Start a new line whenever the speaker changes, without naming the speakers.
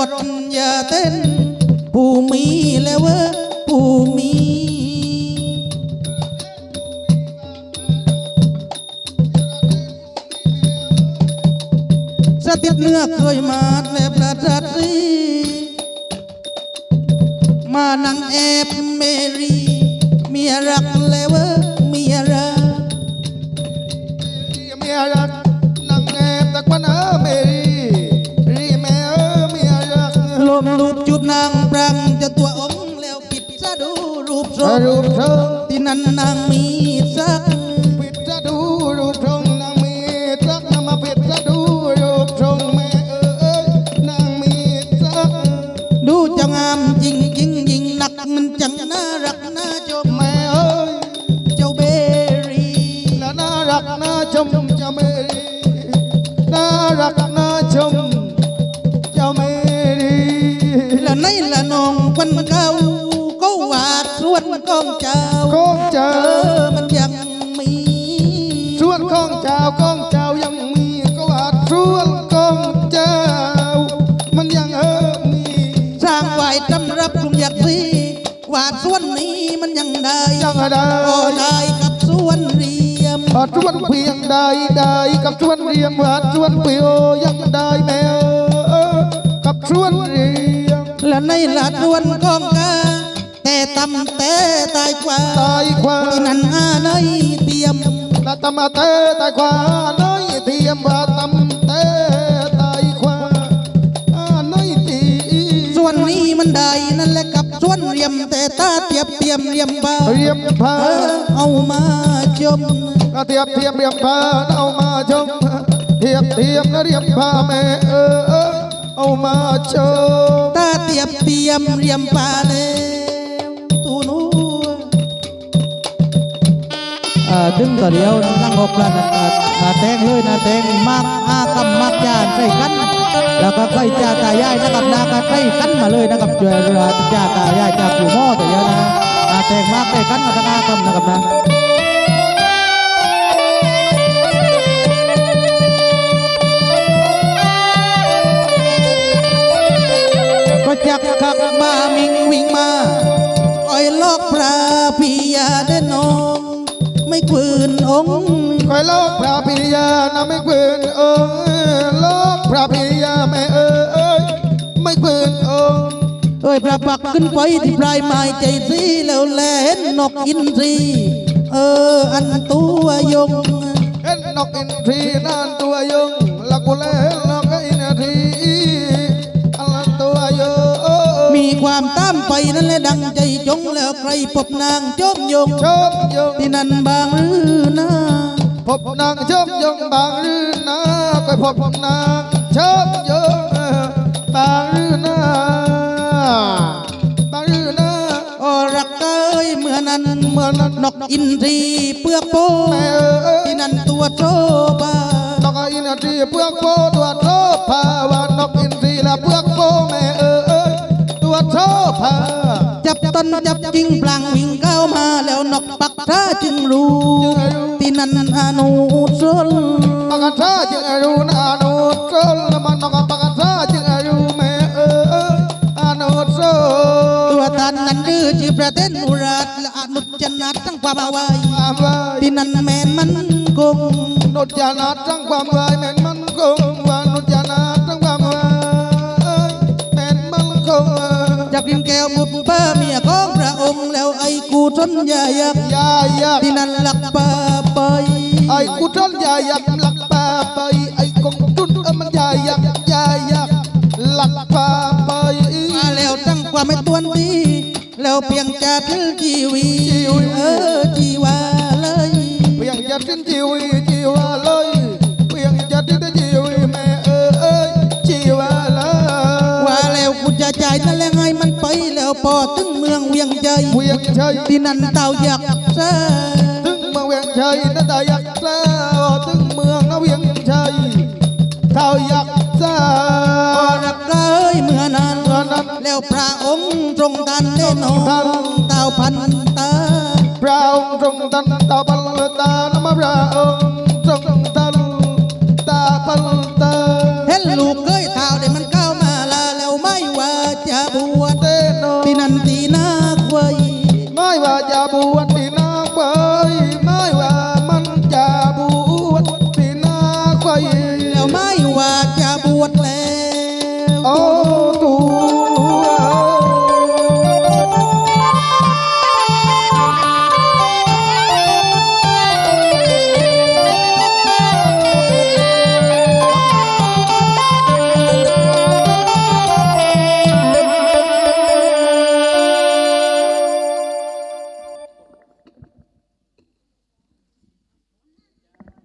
ถอย่าเต้นผู้มีแล้วเว้อผู้มีสติดเนื้อเคยมาแลบละทัดรีมานังแอบเมรีเมียรักแล้วเว้อเมียรัก
เมียรักนังแอบตะกวันเมรีแม่เมียรัก
ลมลูบจูบนางปรังจะตัวองแล้วปิดซะดูรูปทรงที่นั่นนางมีสัก
ปิดซะดูรูปทรงนางมีสักนำมาปิดซะดูรูปทรงแม่นางมีสัก
ดูจะงามจริงจริงยิ่งหนักมันจังน่ารักน่าชม
แม่
เจ้าเบรี
น่ารักน่าชมเจ้าเมรีน่ารักน่าชมเจ้าเมรี
ละในละนองวันเก่าก็วาดส่วนกองเจ้ามันยังมี
ส่วนกองเจ้ายังมีก็วาดส่วนกองเจ้ามันยังมี
สร้างไว้จำรับกรุงอยากซีวาดส่วนนี้มันยังได้ก็ได้กับส่วนเรียม
วาดส่วนเพียงได้กับส่วนเรียมวาดส่วนเปียวยังได้แม่กับส่วนเรียม
และในหลัดส่วนกองกาแต่ตำแต่ตายกว่าที่นั่นในเทียม
ละตำแต่ตายกว่าน้อยเทียมว่าตำแต่ตายกว่าน้อยเทียม
ส่วนนี้มันได้นั่นแหละกับส่วนเรียมแต่ตาเทียบเทียมเรียมพาเอามาชม
เทียบเรียมพาเอามาชมเทียบแล้วเรียมพาแม่เอามาชม
ตาเทียบเรียมพาแล้วตูนูดึงต่อเดียวนั่งหกละแตงเลยนะแตงมากกำมักยาใส่กันแล้วก็ใกล้จ่าตายายนะครับนาก็ใกล้กันมาเลยนะครับจ่าตายายจากอยู่หม้อแต่เยอะนะแตงมากใกล้กันมาทั้งกำนะครับนะก็จักขักมามิงวิ่งมาอ้อยลอกพระพิยาเดนองไม่คืนองค์
คอยลอกพระพิยานะไม่คืนองค์ลอกพระพิยาแม่ไม่คืนองค์
พระปักขึ้นไปที่ปลายไม้ใจสีแล้วแลเห็นนกอินทรีอันตัวยง
เห็นนกอินทรีนั่นตัวยงลักกุเลนกอินทรีอันตัวยง
มีความตามไปนั่นแหละดังใจจงแล้วใครพบนางจมยงที่นั่นบางหรือนา
พบนางชมยงบางหรือนาไปพบนางชมยงบางหรือนา
รักเอ้ยเมื่อนั้นนกอินทรีเปลือกโปที่นั่นตัวโชบาน
กอินทรีเปลือกโปตัวโชบาว่านกอินทรีละเปลือกโปแม่ตัวโชบา
จับต้นจับจริงพลางวิ่งเข้ามาแล้วนกปักท่าจึงรู้ที่นั่นอนุสล
ปักท่าจึงรู้อนุสลมันนกปักท่าจึงรู้แม่อนุสล
ตัวท่านนั้นดื้อจีประเทศอุราชและอนุจนาตั้งความเอาไว้ที่นั่นแม่นมันคง
นุจนาตั้งความไว้แม่นมันคงว่านุจนาตั้งความไว้แม่นมันคง
จากดินแก้วบุปผาเมียของพระองค์แล้วไอ้กูทนยายักที่นั่นหลักป่าไป
ไอ้กูทนยายักหลักป่าไปไอ้กงจุนมันยายักหลักป่าไป
แล้วตั้งความไม่ตวนดีแล้วเพียงจะทิ้งชีวิตชีวาเลย
เพียงจะทิ้งชีวาเลยเพียงจะทิ้งชีวิตแม่ชีวาเลย
ว่าแล้วกูจะใจนั่นแหละไงมันไปแล้วพอถึงเมืองเวียงใจที่นั่นเต่าอยากซา
ถึงเมืองเวียงใจนั่นเต่าอยากซาถึงเมืองเวียงใจเต่าอยากซา
รักเอ้ยเมื่อนั้นแล้วพระองค์ทรงทันเล่นนองเต่าพันตา
พระองค์ทรงทันเต่าพันตานมาพระองค์ทรงทันเต่าพันตา
เห็นลูกเอ้ยเต่าเดี๋ยวมันเข้ามาแล้วไม่จะบวช
เตโน
ที่นันตีนาควย
ไม่ว่าจะบวชที่